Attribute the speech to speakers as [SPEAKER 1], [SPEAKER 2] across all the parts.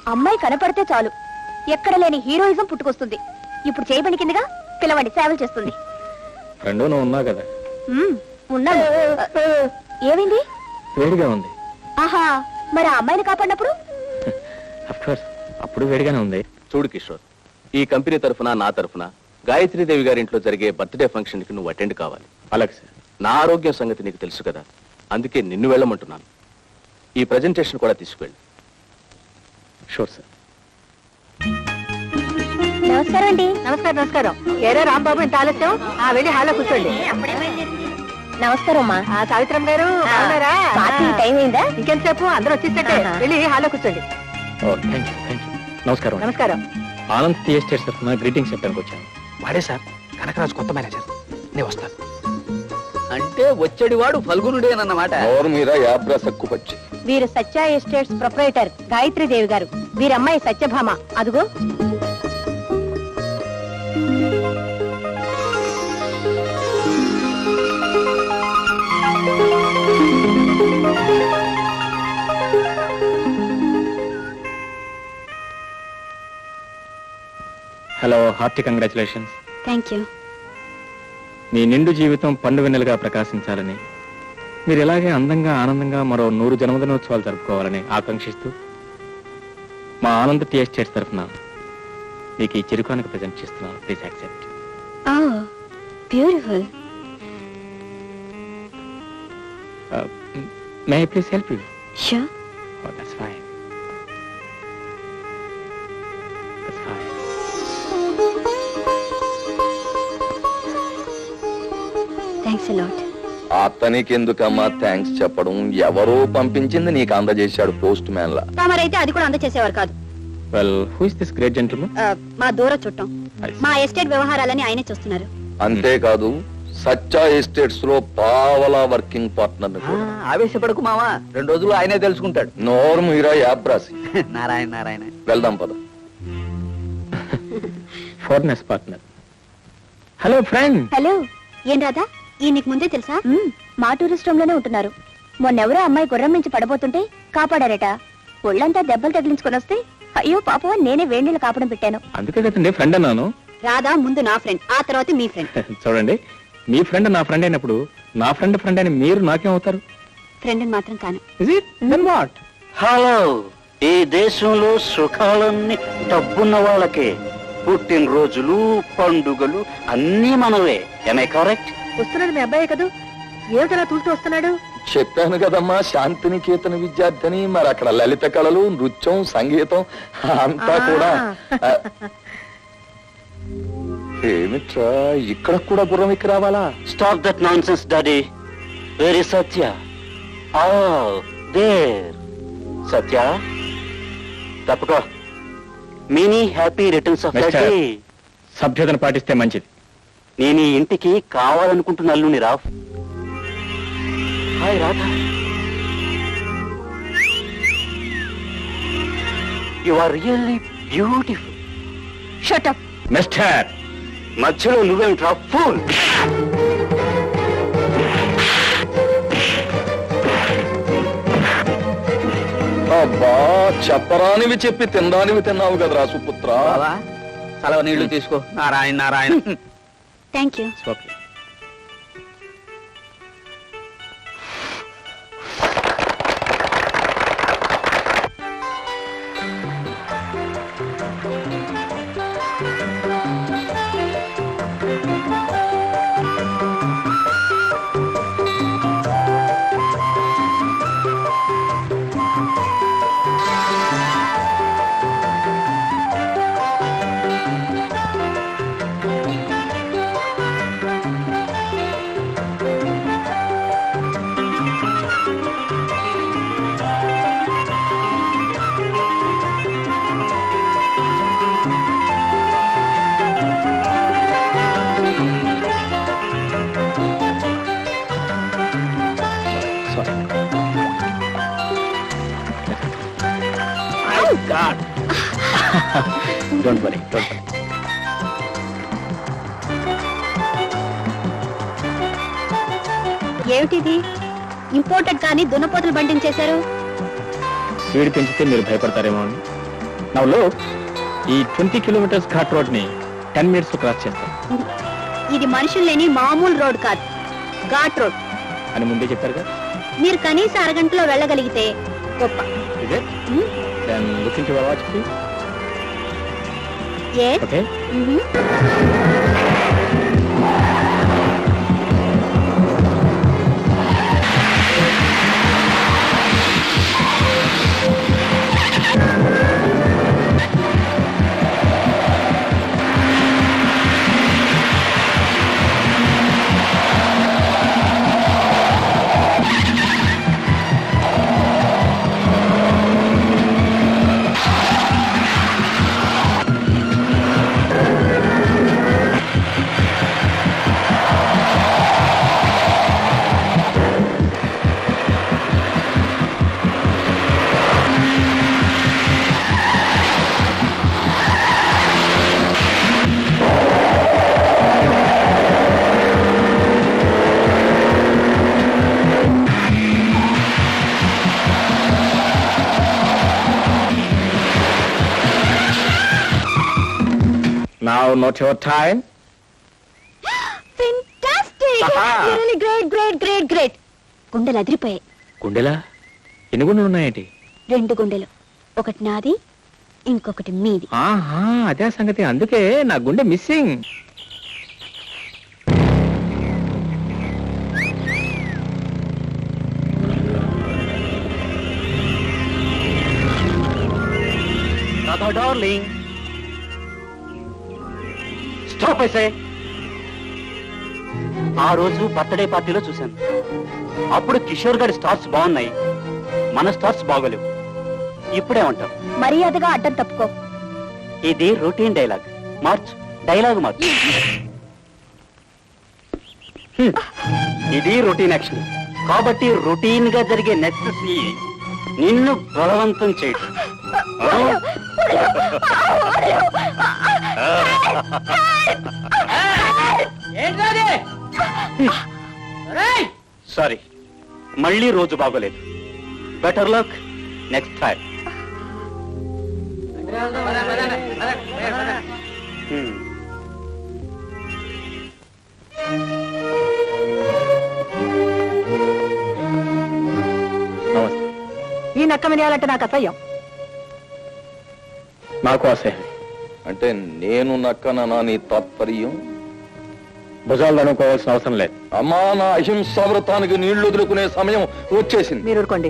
[SPEAKER 1] అమ్మాయి కనపడితే చాలు ఎక్కడ లేని హీరోయిజం పుట్టుకొస్తుంది. ఇప్పుడు చేయబడి కిందగా పిలవండి, సేవలు చేస్తుంది.
[SPEAKER 2] ఫ్రెండ్ నువ్వు ఉన్నావు కదా.
[SPEAKER 1] ఉన్నాను. ఏమైంది?
[SPEAKER 2] వేడిగా ఉంది.
[SPEAKER 1] ఆహా, మరి ఆ అమ్మాయిని కాపాడినప్పుడు?
[SPEAKER 2] అప్పుడు వేడిగానే ఉంది.
[SPEAKER 3] చూడు కిషోర్, ఈ కంపెనీ తరఫున నా తరఫున గాయత్రీదేవి గారి ఇంట్లో జరిగే బర్త్డే ఫంక్షన్ కి నువ్వు అటెండ్ కావాలి.
[SPEAKER 2] అలాగే సార్.
[SPEAKER 3] నా ఆరోగ్యం సంగతి నీకు తెలుసు కదా, అందుకే నిన్ను వెళ్ళమంటున్నాను. ఈ ప్రెజెంటేషన్ కూడా తీసుకువెళ్ళు.
[SPEAKER 2] Sure sir.
[SPEAKER 1] నమస్కారం అండి.
[SPEAKER 4] నమస్కారం. నమస్కారం. ఏరే రాంబాబు, ఇంత ఆలస్యం? వెళ్ళి హాల్లో కూర్చోండి.
[SPEAKER 1] నమస్కారం అమ్మా.
[SPEAKER 4] సావిత్రమ్మ గారు
[SPEAKER 1] పార్టీ టైం అయిందా?
[SPEAKER 4] ఇంకెంతసేపు? అందరూ వచ్చేసట్టే. వెళ్ళి హాల్లో కూర్చోండి.
[SPEAKER 2] నమస్కారం.
[SPEAKER 4] నమస్కారం.
[SPEAKER 2] ఆనంద్ టీ ఎస్టేట్ తరఫున గ్రీటింగ్స్ చెప్పడానికి వచ్చాను.
[SPEAKER 5] వాడే సార్, కనకరాజు కొత్త మేనేజర్. నేను వస్తాను.
[SPEAKER 6] అంటే వచ్చేడి వాడు ఫల్గునుడేనన్నమాట.
[SPEAKER 1] వీరు సత్య ఎస్టేట్స్ ప్రొపరేటర్ గాయత్రీదేవి గారు. వీరమ్మాయి సత్యభామ. అదుగో.
[SPEAKER 2] Hello, hearty congratulations.
[SPEAKER 1] Thank you.
[SPEAKER 2] మీ నిండు జీవితం పండు వెన్నెలుగా ప్రకాశించాలని, మీరు ఇలాగే అందంగా ఆనందంగా మరో 100 జన్మదినోత్సవాలు జరుపుకోవాలని ఆకాంక్షిస్తూ మా ఆనంద్ టీ ఎస్టేట్స్ తరఫున మీకు ఈ చిరుకానికి ప్రజెంట్ చేస్తున్నాను. Please accept.
[SPEAKER 1] Beautiful.
[SPEAKER 2] May I please help you?
[SPEAKER 1] Sure.
[SPEAKER 2] Oh, that's fine. That's fine.
[SPEAKER 1] Thanks a lot.
[SPEAKER 7] అతనికి ఎందుకమ్మా థ్యాంక్స్ చెప్పడం? ఎవరో పంపించింది నీకు అందజేశాడు పోస్ట్ మ్యాన్ లా.
[SPEAKER 1] తమరైతే అది కూడా అందచేసేవారు కాదు.
[SPEAKER 2] Well, who is this great gentleman?
[SPEAKER 1] మా దూర చుట్టం. మా ఎస్టేట్ వ్యవహారాలని ఆయనే చూస్తున్నారు.
[SPEAKER 7] అంతేకాదు, సత్య ఎస్టేట్స్ లో పావలా వర్కింగ్ పార్ట్నర్.
[SPEAKER 6] ఆవేశపడకు మావా, 2 రోజులు ఆయనే తెలుసుకుంటాడు.
[SPEAKER 7] నోరు మీరా యాబ్రాసి.
[SPEAKER 6] నారాయణ నారాయణ.
[SPEAKER 7] వెళ్దాం పద.
[SPEAKER 2] Foreigners partner. Hello friend.
[SPEAKER 1] Hello. ఏం రాదా? ఈ నీకు ముందే తెలుసా? మా టూరిస్ట్ రూమ్ లోనే ఉంటున్నారు. మొన్నెవరో అమ్మాయి గుర్రం నుంచి పడబోతుంటే కాపాడారట. ఒళ్ళంతా దెబ్బలు తగిలించుకొని వస్తే అయ్యో పాప, నేనే వేడినీళ్ళు కాపడం పెట్టాను.
[SPEAKER 2] అందుకే కదండి ఫ్రెండ్ అన్నాను.
[SPEAKER 1] రాధా ముందు నా ఫ్రెండ్, ఆ తర్వాత మీ ఫ్రెండ్.
[SPEAKER 2] చూడండి, మీ ఫ్రెండ్ నా ఫ్రెండ్ అయినప్పుడు నా ఫ్రెండ్ అని మీరు నాకేమవుతారు?
[SPEAKER 1] ఫ్రెండ్ మాత్రం కాను.
[SPEAKER 2] Is it? Then what?
[SPEAKER 8] Hello, ఈ దేశంలో సుఖాలన్నీ డబ్బున్న వాళ్ళకే. పుట్టినరోజులు, పండుగలు అన్నీ మనవే. Am I correct?
[SPEAKER 4] వస్తున్నాడు మీ అబ్బాయే కదూ? ఏమిటలా తూలుతూ వస్తున్నాడు?
[SPEAKER 7] చెప్పాను కదమ్మా, శాంతినికేతన విద్యార్థిని. మరి అక్కడ లలిత కళలు, నృత్యం, సంగీతం అంతా కూడా. ఏమిట్రా, ఇక్కడ కూడా గుర్రం ఎక్కి రావాలా?
[SPEAKER 8] Stop that nonsense, Daddy. Where is Satya? Oh, there. Satya, తప్పుకో. Many happy returns of the
[SPEAKER 2] Mister.
[SPEAKER 8] day.
[SPEAKER 2] సభ్యతను పాటిస్తే మంచిది.
[SPEAKER 8] నేను ఈ ఇంటికి కావాలనుకుంటున్న అల్లుని రాఫ్. Hi Radha. You are really beautiful.
[SPEAKER 1] Shut up.
[SPEAKER 2] Mister,
[SPEAKER 8] మధ్యలో నువ్వేమిట్రా ఫూల్?
[SPEAKER 7] అబ్బా, చెప్పరానివి చెప్పి తినడానివి తిన్నావు కదరా సుపుత్ర.
[SPEAKER 6] బావా, చలవ నీళ్లు తీసుకో. Narayana Narayana.
[SPEAKER 1] Thank you.
[SPEAKER 2] Okay. God. Don't worry, don't worry.
[SPEAKER 1] ఏమిటిది? ఇంపోర్టెడ్ కానీ దున్నపోతులు బండించేశారు.
[SPEAKER 2] స్పీడ్ పెంచితే మీరు భయపడతారేమో అని. నవ్వులో ఈ 20 కిలోమీటర్స్ ఘాట్ రోడ్ ని 10 minutes లో క్రాస్ చేస్తాం
[SPEAKER 1] ఇది మనుషులు లేని మామూలు రోడ్ కాదు, ఘాట్ రోడ్
[SPEAKER 2] అని ముందే చెప్పారుగా.
[SPEAKER 1] మీరు కనీసం అరగంటలో వెళ్ళగలిగితే గొప్ప.
[SPEAKER 2] ఇదే then look into your watch please.
[SPEAKER 1] Yes.
[SPEAKER 2] Okay. Now not your time.
[SPEAKER 1] Fantastic! Really great. గుండెలు అదిరిపోయాయి.
[SPEAKER 2] గుండెలా? ఎన్ని గుండెలు ఉన్నాయేంటి?
[SPEAKER 1] 2 గుండెలు, ఒకటి నాది, ఇంకొకటి మీది.
[SPEAKER 2] ఆహా, అదే సంగతి. అందుకే నా గుండె మిస్సింగ్.
[SPEAKER 8] Darling stop ఐసే. ఆ రోజు బర్త్డే పార్టీలో చూశాను. అప్పుడు కిషోర్ గారి స్టార్స్ బాగున్నాయి, మన స్టార్స్ బాగోలేవు. ఇప్పుడేమంటావు?
[SPEAKER 1] మర్యాదగా అడ్డం తప్పుకో.
[SPEAKER 8] ఇది రొటీన్ డైలాగ్, డైలాగ్ మార్చు. ఇది రొటీన్ యాక్షన్ కాబట్టి రొటీన్ గా జరిగే నెక్స్ట్ నిన్ను బలవంతం చేయడం. సారీ, మళ్ళీ రోజు బాగోలేదు. Better luck next time.
[SPEAKER 4] ఈ నక్క వినాలంటే నాకు అసహ్యం.
[SPEAKER 2] నాకు అసహ్యం.
[SPEAKER 7] అంటే నేను నక్కననా నీ తాత్పర్యం?
[SPEAKER 2] భుజాలు అనుకోవాల్సిన అవసరం లేదు.
[SPEAKER 7] అమ్మా, నా అహింసా వ్రతానికి నీళ్లు వదులుకునే సమయం వచ్చేసింది.
[SPEAKER 4] మీరు ఊరుకోండి.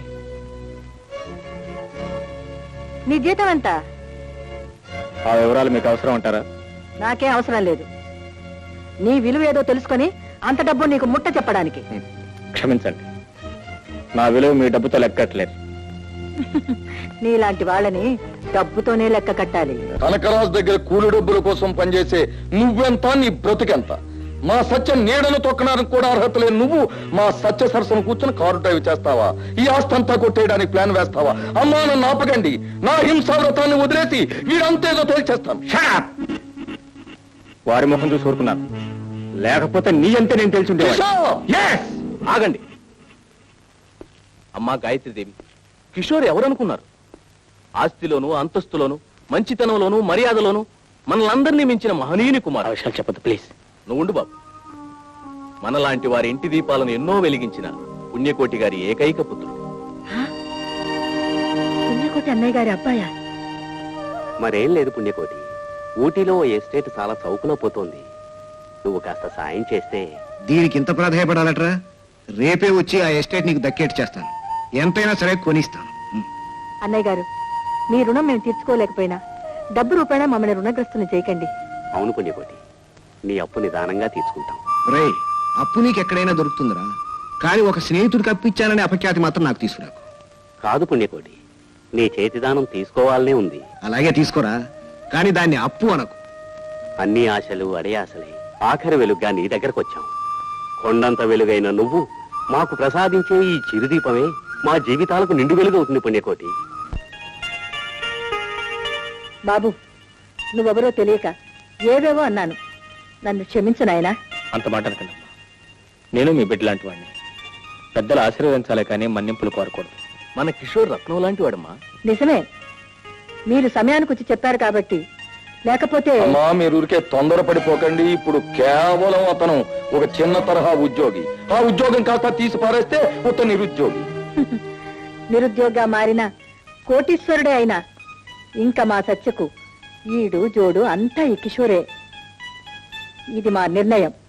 [SPEAKER 4] నీ జీతం ఎంత?
[SPEAKER 2] ఆ వివరాలు మీకు అవసరం అంటారా?
[SPEAKER 4] నాకేం అవసరం లేదు. నీ విలువ ఏదో తెలుసుకొని అంత డబ్బు నీకు ముట్ట చెప్పడానికి.
[SPEAKER 2] క్షమించండి, నా విలువ మీ డబ్బుతో లెక్కట్లేదు.
[SPEAKER 4] నీలాంటి వాళ్ళని డబ్బుతోనే లెక్క కట్టాలి.
[SPEAKER 7] కనకరాజు దగ్గర కూలి డబ్బుల కోసం పనిచేసే నువ్వెంత, నీ బ్రతుకెంత? మా సత్య నీడను తొక్కడానికి కూడా అర్హత లేని నువ్వు మా సత్య సరసను కూర్చొని కారు డ్రైవ్ చేస్తావా? ఈ ఆస్తంతా కొట్టేయడానికి ప్లాన్ వేస్తావా? అమ్మా, నన్ను ఆపకండి. నా హింసా వ్రతాన్ని వదిలేసి వీడంతేదో తేల్చేస్తాను.
[SPEAKER 2] వారి ముఖం చూసి ఊరుకున్నాను, లేకపోతే నీ అంతే నేను తెలుసుంటే.
[SPEAKER 3] ఆగండి. అమ్మా గాయత్రీదేవి, కిషోర్ ఎవరనుకున్నారు? ఆస్తిలోను, అంతస్తులోను, మంచితనంలోను, మర్యాదలోను మనలందరినీ మించిన మహనీయుని కుమార్.
[SPEAKER 2] విషయాలు చెప్పదు ప్లీజ్.
[SPEAKER 3] నువ్వు ఉండు బాబు. మనలాంటి వారి ఇంటి దీపాలను ఎన్నో వెలిగించిన పుణ్యకోటి గారి ఏకైక పుత్రుడు.
[SPEAKER 4] పుణ్యకోటి అన్నయ్య గారి అబ్బాయా?
[SPEAKER 8] మరేం లేదు పుణ్యకోటి, ఊటీలో ఓ ఎస్టేట్ చాలా చౌకలో పోతోంది. నువ్వు కాస్త సాయం చేస్తే.
[SPEAKER 9] దీనికి ఇంత ప్రాధాయపడాలట్రా? రేపే వచ్చి ఆ ఎస్టేట్ నీకు దక్కేట్ చేస్తాను. ఎంతైనా సరే కొనిస్తాను.
[SPEAKER 4] అన్నయ్య గారు, మీ రుణం మేము తీర్చుకోలేకపోయినా డబ్బు రూపాయన మమ్మల్ని రుణగ్రస్తుని చేయకండి.
[SPEAKER 8] అవును పుణ్యకోటి, నీ అప్పు నిదానంగా తీర్చుకుంటాం.
[SPEAKER 9] రే, అప్పు నీకు ఎక్కడైనా దొరుకుతుందిరా, కానీ ఒక స్నేహితుడికి అప్పిచ్చాననే అపఖ్యాతి మాత్రం నాకు తీసుకురాకు.
[SPEAKER 8] కాదు పుణ్యకోటి, నీ చేతిదానం తీసుకోవాలనే ఉంది.
[SPEAKER 9] అలాగే తీసుకోరా, కానీ దాన్ని అప్పు అనకు.
[SPEAKER 8] అన్ని ఆశలు అడయాసలే ఆఖరి వెలుగ్గా నీ దగ్గరకు వచ్చాం. కొండంత వెలుగైన నువ్వు మాకు ప్రసాదించే ఈ చిరుదీపమే మా జీవితాలకు నిండు వెలుగవుతుంది పుణ్యకోటి.
[SPEAKER 4] బాబు, నువ్వెవరో తెలియక ఏవేవో అన్నాను, నన్ను క్షమించు నాయనా.
[SPEAKER 2] అంత మాట అనకండమ్మా. నేను మీ బిడ్డ లాంటి వాడిని. పెద్దలు ఆశీర్వదించాలే కానీ మన్నింపులు కోరకూడదు.
[SPEAKER 3] మన కిషోర్ రత్నం లాంటి వాడమ్మా.
[SPEAKER 4] నిజమే, మీరు సమయానికి వచ్చి చెప్పారు కాబట్టి, లేకపోతే
[SPEAKER 7] అమ్మా మీరు ఊరికే తొందరపడిపోకండి. ఇప్పుడు కేవలం అతను ఒక చిన్న తరహా ఉద్యోగి. ఆ ఉద్యోగం కాస్త తీసి పారేస్తే ఉత్త నిరుద్యోగి.
[SPEAKER 4] నిరుద్యోగిగా మారిన కోటీశ్వరుడే అయినా ఇంకా మా సత్యకు ఈడు జోడు అంతా ఈ కిషోరే. ఇది మా నిర్ణయం.